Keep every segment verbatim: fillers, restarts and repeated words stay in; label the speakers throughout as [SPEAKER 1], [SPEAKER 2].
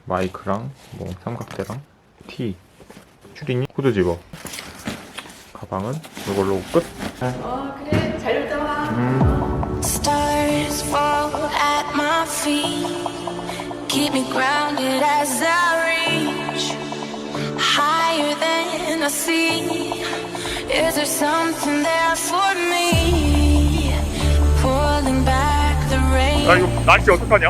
[SPEAKER 1] 마이크랑 뭐 삼각대랑 티, 추리닝, 후드 집어. 가방은 이걸로 끝.
[SPEAKER 2] 어 그래 잘 놀다 와.
[SPEAKER 1] 음.
[SPEAKER 3] Stars fall at my feet, keep me grounded as I reach higher than I see. Is there something there for me? Pulling back the rain.
[SPEAKER 1] 아 이거 날씨 어떡하냐?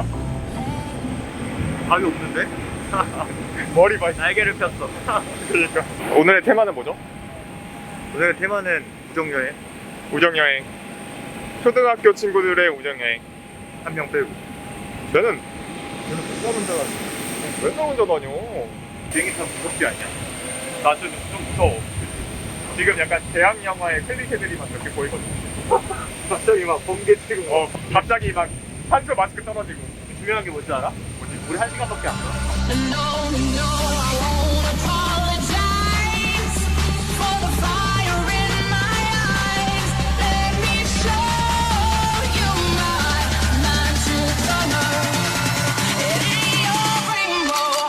[SPEAKER 1] 답이 없는데? 머리 봐.
[SPEAKER 4] 날개를 폈어.
[SPEAKER 1] 그러니까. 오늘의 테마는 뭐죠?
[SPEAKER 4] 오늘의 테마는 우정여행.
[SPEAKER 1] 우정여행. 초등학교 친구들의 우정여행.
[SPEAKER 4] 한 명 빼고.
[SPEAKER 1] 나는
[SPEAKER 4] 저는 혼자 혼자 가서
[SPEAKER 1] 맨날 혼자 다녀.
[SPEAKER 4] 비행기 타면 무섭지 않냐?
[SPEAKER 1] 나 좀, 좀 무서워. 지금 약간 대학 영화의 클리셰들이 막 이렇게 보이거든.
[SPEAKER 4] 갑자기 막 번개 치고.
[SPEAKER 1] 어, 갑자기 막 한수 마스크 떨어지고.
[SPEAKER 4] 중요한 게 뭔지 알아? 뭐지? 우리 한 시간밖에 안 가.
[SPEAKER 3] No, no, I won't apologize for the fire in my eyes. Let me show you my magic color in your rainbow.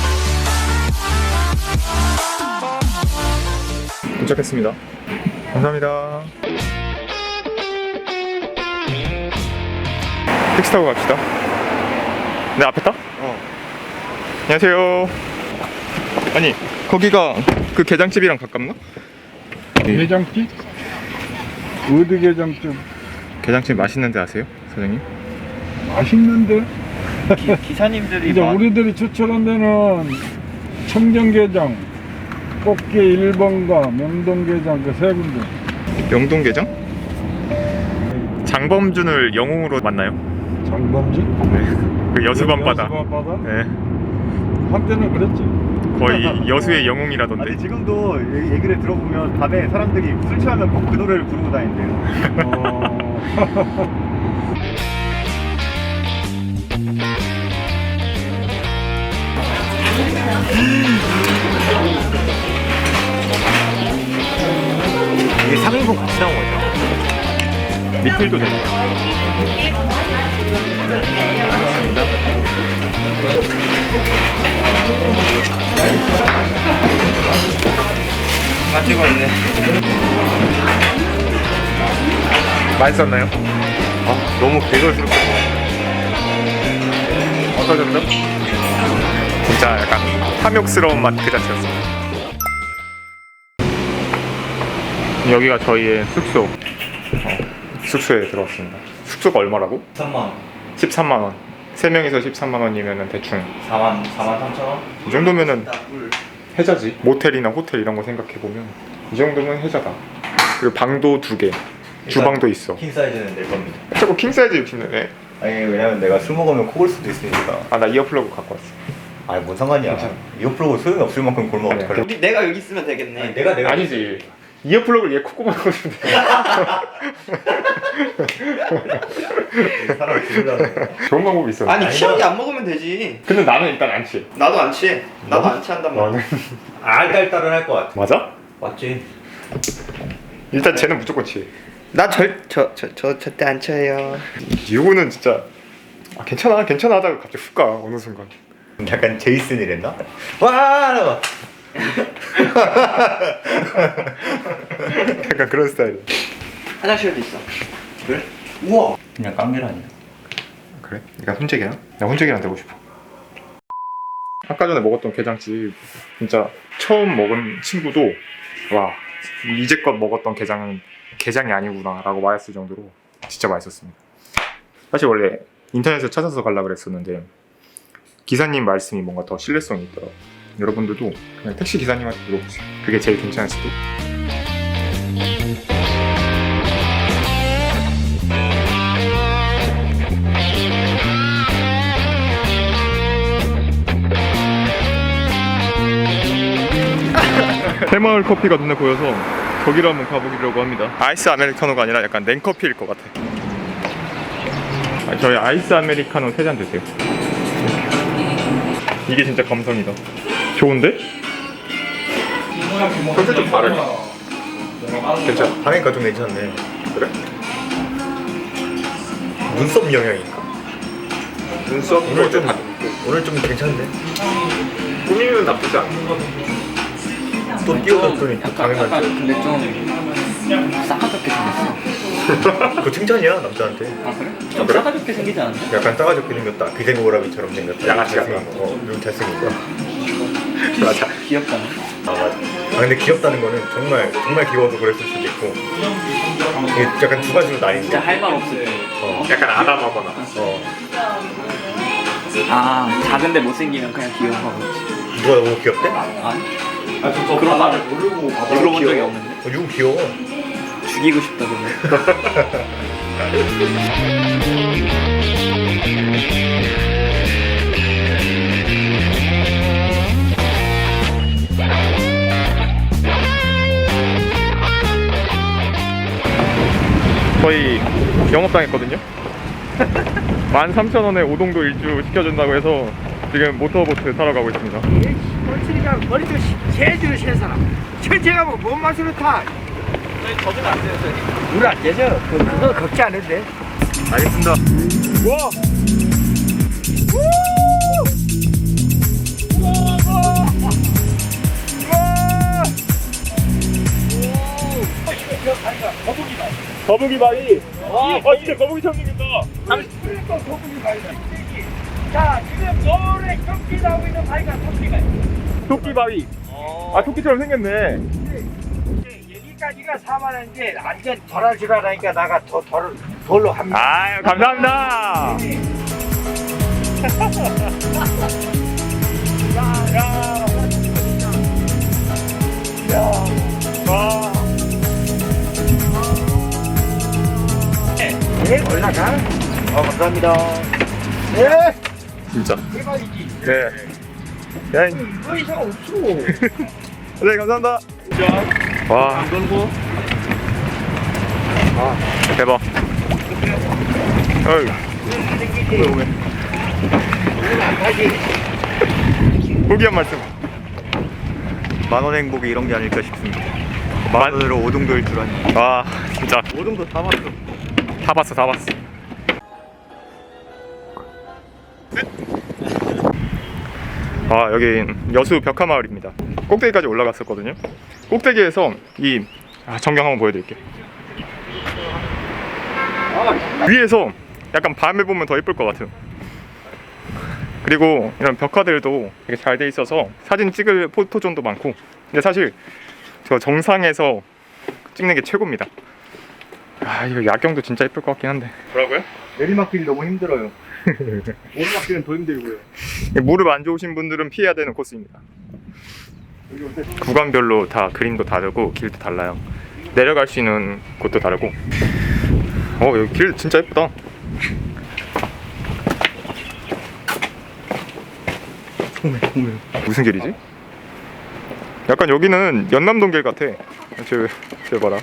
[SPEAKER 1] 도착했습니다. 감사합니다. 택시 타고 갑시다. 내 앞에 타?
[SPEAKER 4] 어.
[SPEAKER 1] 안녕하세요. 아니 거기가 그 게장집이랑 가깝나?
[SPEAKER 5] 게장집? 어디 게장집?
[SPEAKER 1] 게장집 맛있는데 아세요, 사장님?
[SPEAKER 5] 맛있는데?
[SPEAKER 4] 기, 기사님들이
[SPEAKER 5] 이제
[SPEAKER 4] 막
[SPEAKER 5] 우리들이 추천한 데는 청정게장, 꽃게 일 번가 명동게장 그 세 군데.
[SPEAKER 1] 명동게장? 장범준을 영웅으로 만나요?
[SPEAKER 5] 장범지?
[SPEAKER 1] 네. 그 여수밤바다.
[SPEAKER 5] 여수밤바다?
[SPEAKER 1] 네.
[SPEAKER 5] 한때는 그랬지.
[SPEAKER 1] 거의 여수의 영웅이라던데.
[SPEAKER 4] 아니 지금도 얘- 얘기를 들어보면 밤에 사람들이 술 취하면 꼭 그 노래를 부르고 다닌대요.
[SPEAKER 5] 어...
[SPEAKER 4] 이게 삼 인분 같이 나온 거죠?
[SPEAKER 1] 리필도 되죠.
[SPEAKER 4] 다 찍었네.
[SPEAKER 1] 맛있었나요?
[SPEAKER 4] 아 너무 개걸스럽고.
[SPEAKER 1] 어떠셨죠? 진짜 약간 탐욕스러운 맛 그 자체였어요. 여기가 저희의 숙소. 어, 숙소에 들어왔습니다. 숙소가 얼마라고?
[SPEAKER 4] 삼만 원.
[SPEAKER 1] 십삼만 원. 세 명이서 십삼만 원이면 대충
[SPEAKER 4] 사만 사만 삼천 원.
[SPEAKER 1] 이 정도면은 해자지. 모텔이나 호텔 이런 거 생각해 보면 이 정도면 해자다. 그리고 방도 두 개, 주방도 있어.
[SPEAKER 4] 킹 사이즈는 낼 겁니다.
[SPEAKER 1] 자꾸 킹 사이즈 입히네.
[SPEAKER 4] 아니 왜냐면 내가 술 먹으면 코 골 수도 있으니까.
[SPEAKER 1] 아 나 이어플러그 갖고 왔어.
[SPEAKER 4] 아니 뭔 상관이야.
[SPEAKER 1] 괜찮아.
[SPEAKER 4] 이어플러그 소용이 없을 만큼 골면
[SPEAKER 1] 아니야.
[SPEAKER 4] 어떡할래?
[SPEAKER 6] 여기 내가 여기 있으면 되겠네.
[SPEAKER 4] 아니, 내가 내가
[SPEAKER 1] 아니지. 이어플러그를 얘 콧구멍에 꽂으면 돼.
[SPEAKER 4] 사람 죽으려는 거야.
[SPEAKER 1] 좋은 방법이 있어.
[SPEAKER 6] 아니 취하게 안 먹으면 되지.
[SPEAKER 1] 근데 나는 일단 안 취해.
[SPEAKER 6] 나도 안 취해. 나도
[SPEAKER 1] 뭐?
[SPEAKER 6] 안 취한단 말이야.
[SPEAKER 1] 나는
[SPEAKER 4] 알딸딸은 할 것 같아.
[SPEAKER 1] 맞아?
[SPEAKER 4] 맞지?
[SPEAKER 1] 일단 쟤는 무조건 취해.
[SPEAKER 6] 나절저저 저 절대 안 취해요.
[SPEAKER 1] 이거는 진짜 아, 괜찮아 괜찮아 하다가 갑자기 훅 가 어느 순간.
[SPEAKER 4] 약간 제이슨이랬나? 와! 이러고.
[SPEAKER 1] 약간 그런 스타일.
[SPEAKER 6] 화장실도 있어.
[SPEAKER 4] 그래? 우와! 그냥 깡밀 아니야.
[SPEAKER 1] 그래? 네가 혼재기야? 나 혼재기랑 되고 싶어. 아까 전에 먹었던 게장집 진짜 처음 먹은 친구도 와 이제껏 먹었던 게장은 게장이 아니구나 라고 말했을 정도로 진짜 맛있었습니다. 사실 원래 인터넷에서 찾아서 가려고 그랬었는데 기사님 말씀이 뭔가 더 신뢰성이 있더라고요. 여러분들도 그냥 택시 기사님한테 물어보세요. 그게 제일 괜찮을 수도. 새마을 커피가 눈에 보여서 거기로 한번 가보려고 합니다. 아이스 아메리카노가 아니라 약간 냉커피일 것 같아. 아, 저희 아이스 아메리카노 세 잔 드세요. 이게 진짜 감성이다. 좋은데? 컨셉 좀 다르네. 괜찮아.
[SPEAKER 4] 하니까 좀 괜찮네.
[SPEAKER 1] 그래?
[SPEAKER 4] 눈썹 영향인가?
[SPEAKER 1] 눈썹 이거 좀
[SPEAKER 4] 오늘 좀 괜찮은데?
[SPEAKER 1] 꾸미는 나쁘지 않아.
[SPEAKER 4] 또 뛰어갔더니 또
[SPEAKER 6] 약간, 약간
[SPEAKER 4] 당해가지고.
[SPEAKER 6] 근데 좀 싸가지없게 생겼어.
[SPEAKER 4] 그거 칭찬이야 남자한테.
[SPEAKER 6] 아 그래? 좀
[SPEAKER 1] 그래?
[SPEAKER 6] 싸가지없게 생기지 않았어?
[SPEAKER 4] 약간 싸가지없게 생겼다. 기생오라비처럼 생겼다.
[SPEAKER 1] 양아치 같은
[SPEAKER 4] 잘생긴 거. 어, 좀 잘생긴 거.
[SPEAKER 1] 맞아.
[SPEAKER 6] 귀엽잖아.
[SPEAKER 4] 아 맞아. 아 근데 귀엽다는 거는 정말 정말 귀여워서 그랬을 수도 있고. 이게 약간 두 가지로 나뉜
[SPEAKER 6] 진짜
[SPEAKER 4] 거.
[SPEAKER 6] 할 말 없을 때.
[SPEAKER 4] 어.
[SPEAKER 1] 약간 아담하거나.
[SPEAKER 4] 어.
[SPEAKER 6] 아 작은데 못생기면 그냥 귀여워서 그렇지.
[SPEAKER 4] 누가 너무 귀엽대?
[SPEAKER 6] 아니? 아저 그런 말을 모르고 들어본 적이 없는데.
[SPEAKER 4] 어, 이거 귀여워.
[SPEAKER 6] 죽이고 싶다 그러면.
[SPEAKER 1] 저희 영업당했거든요. 만 삼천 원에 오동도 일주 시켜준다고 해서 지금 모터보트 타러 가고 있습니다.
[SPEAKER 7] 꼴찌니까 머리도 제대로 새 사람 천재가 뭐 뭔 맛으로 타
[SPEAKER 6] 저주면 안 돼요.
[SPEAKER 7] 물 안 되죠? 그, 그거 걱지 않은데
[SPEAKER 1] 알겠습니다. 와! 거북이 바위. 아, 진짜 거북이처럼 생겼다.
[SPEAKER 7] 그러니까 거북이 바위다 자 지금 노래 경기 나오고 있는 바위가 토끼가
[SPEAKER 1] 토끼 바위. 아, 토끼처럼 생겼네.
[SPEAKER 7] 여기까지가 사만 원인데 완전 덜할 줄 알아니까 나가 더 덜, 덜로 합니다
[SPEAKER 1] 아유, 감사합니다.
[SPEAKER 7] 네 올라가
[SPEAKER 4] 아 감사합니다.
[SPEAKER 7] 네
[SPEAKER 1] 진짜.
[SPEAKER 7] 대박이지
[SPEAKER 1] 네. 네,
[SPEAKER 7] 더 이상 없어
[SPEAKER 1] 네 감사합니다. 와. 안 걸고. 아, 대박. 어이. 포기한 말씀.
[SPEAKER 4] 만원 행복이 이런 게 아닐까 싶습니다. 만 원으로 오동도일 줄 아니.
[SPEAKER 1] 와, 진짜.
[SPEAKER 4] 오동도 다 봤어.
[SPEAKER 1] 다 봤어, 다 봤어. 아, 여긴 여수 벽화마을입니다. 꼭대기까지 올라갔었거든요. 꼭대기에서 이 아, 전경 한번 보여드릴게요. 위에서 약간 밤에 보면 더 예쁠 것 같은. 그리고 이런 벽화들도 되게 잘 돼 있어서 사진 찍을 포토존도 많고. 근데 사실 저 정상에서 찍는 게 최고입니다. 아, 이거 야경도 진짜 예쁠 것 같긴 한데. 뭐라고요?
[SPEAKER 4] 내리막길이 너무 힘들어요. 오르막길은 더 힘들고요.
[SPEAKER 1] 무릎 안 좋으신 분들은 피해야 되는 코스입니다. 구간별로 다 그림도 다르고 길도 달라요. 내려갈 수 있는 곳도 다르고. 어, 여기 길 진짜 예쁘다. 무슨 길이지? 약간 여기는 연남동 길 같아. 저, 저 봐라.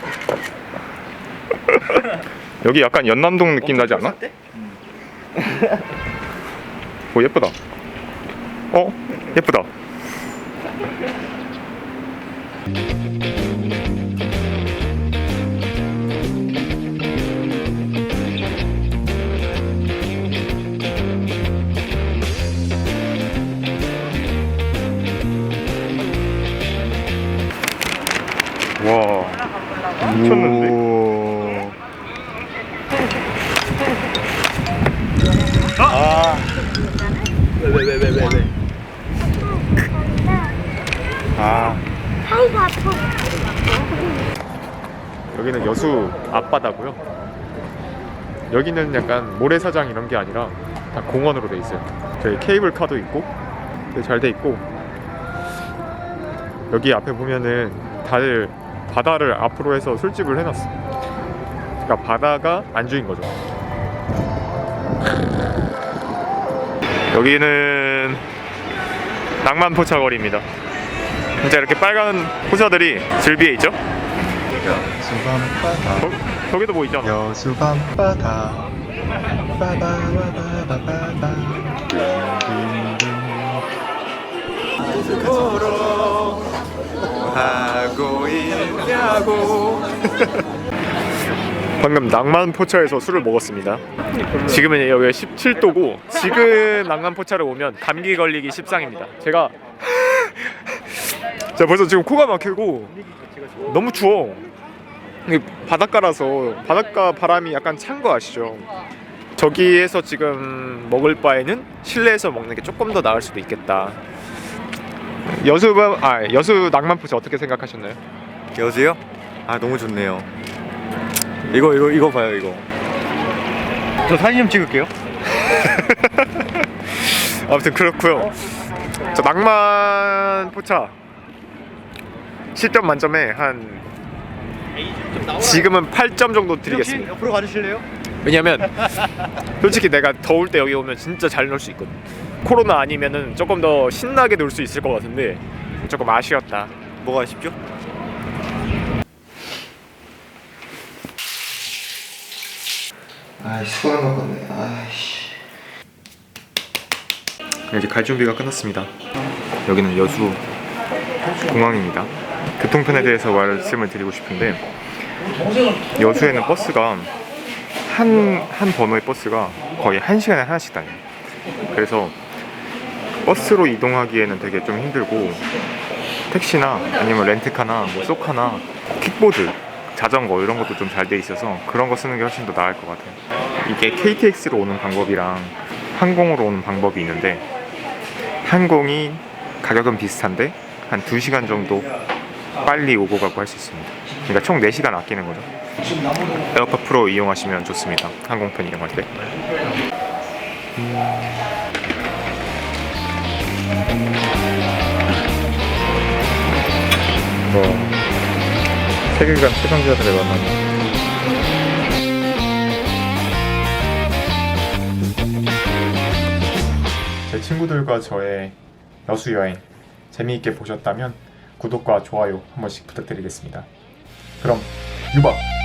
[SPEAKER 1] 여기 약간 연남동 느낌 나지 않아? 오, 예쁘다. 어? 예쁘다. 와, 미쳤는데? 아.
[SPEAKER 4] 왜 왜 왜 왜 왜 왜?
[SPEAKER 1] 아. 여기는 여수 앞바다고요. 여기는 약간 모래사장 이런 게 아니라 다 공원으로 돼 있어요. 저희 케이블카도 있고 되게 잘 돼 있고, 여기 앞에 보면은 다들 바다를 앞으로 해서 술집을 해놨어. 그러니까 바다가 안주인 거죠. 여기는 낭만 포차거리입니다. 진짜 이렇게 빨간 포차들이 즐비에 있죠?
[SPEAKER 8] 여수 밤바다
[SPEAKER 1] 저, 저기도 뭐 있잖아.
[SPEAKER 8] 여수 밤바다 바바바바바바바
[SPEAKER 1] 하고 있냐고. 방금 낭만포차에서 술을 먹었습니다. 지금은 여기가 십칠 도고 지금 낭만포차를 오면 감기 걸리기 십상입니다. 제가 자 벌써 지금 코가 막히고 너무 추워. 이게 바닷가라서 바닷가 바람이 약간 찬 거 아시죠? 저기에서 지금 먹을 바에는 실내에서 먹는 게 조금 더 나을 수도 있겠다. 여수 아 여수 낭만포차 어떻게 생각하셨나요?
[SPEAKER 4] 여수요? 아 너무 좋네요. 이거 이거 이거 봐요 이거. 저 사진 좀 찍을게요.
[SPEAKER 1] 아무튼 그렇고요. 저 낭만 포차 십 점 만점에 한 지금은 팔 점 정도 드리겠습니다.
[SPEAKER 4] 옆으로 가주실래요?
[SPEAKER 1] 왜냐면 솔직히 내가 더울 때 여기 오면 진짜 잘 놀 수 있거든. 코로나 아니면은 조금 더 신나게 놀 수 있을 것 같은데 조금 아쉬웠다.
[SPEAKER 4] 뭐가 아쉽죠?
[SPEAKER 8] 아이 수고한 것 같네. 아이씨.
[SPEAKER 1] 이제 갈 준비가 끝났습니다. 여기는 여수 공항입니다. 교통편에 대해서 말씀을 드리고 싶은데 여수에는 버스가 한, 한 번호의 버스가 거의 한 시간에 하나씩 다녀요. 그래서 버스로 이동하기에는 되게 좀 힘들고 택시나 아니면 렌트카나 뭐 쏘카나 킥보드, 자전거 이런 것도 좀 잘 돼 있어서 그런 거 쓰는 게 훨씬 더 나을 것 같아요. 이게 케이티엑스로 오는 방법이랑 항공으로 오는 방법이 있는데 항공이 가격은 비슷한데 한 두 시간 정도 빨리 오고 가고 할 수 있습니다. 그러니까 총 네 시간 아끼는 거죠. 에어팟 프로 이용하시면 좋습니다. 항공편 이용할 때. 뭐 세계관 최강자들을 만나는 제 친구들과 저의 여수 여행 재미있게 보셨다면 구독과 좋아요 한 번씩 부탁드리겠습니다. 그럼 유바!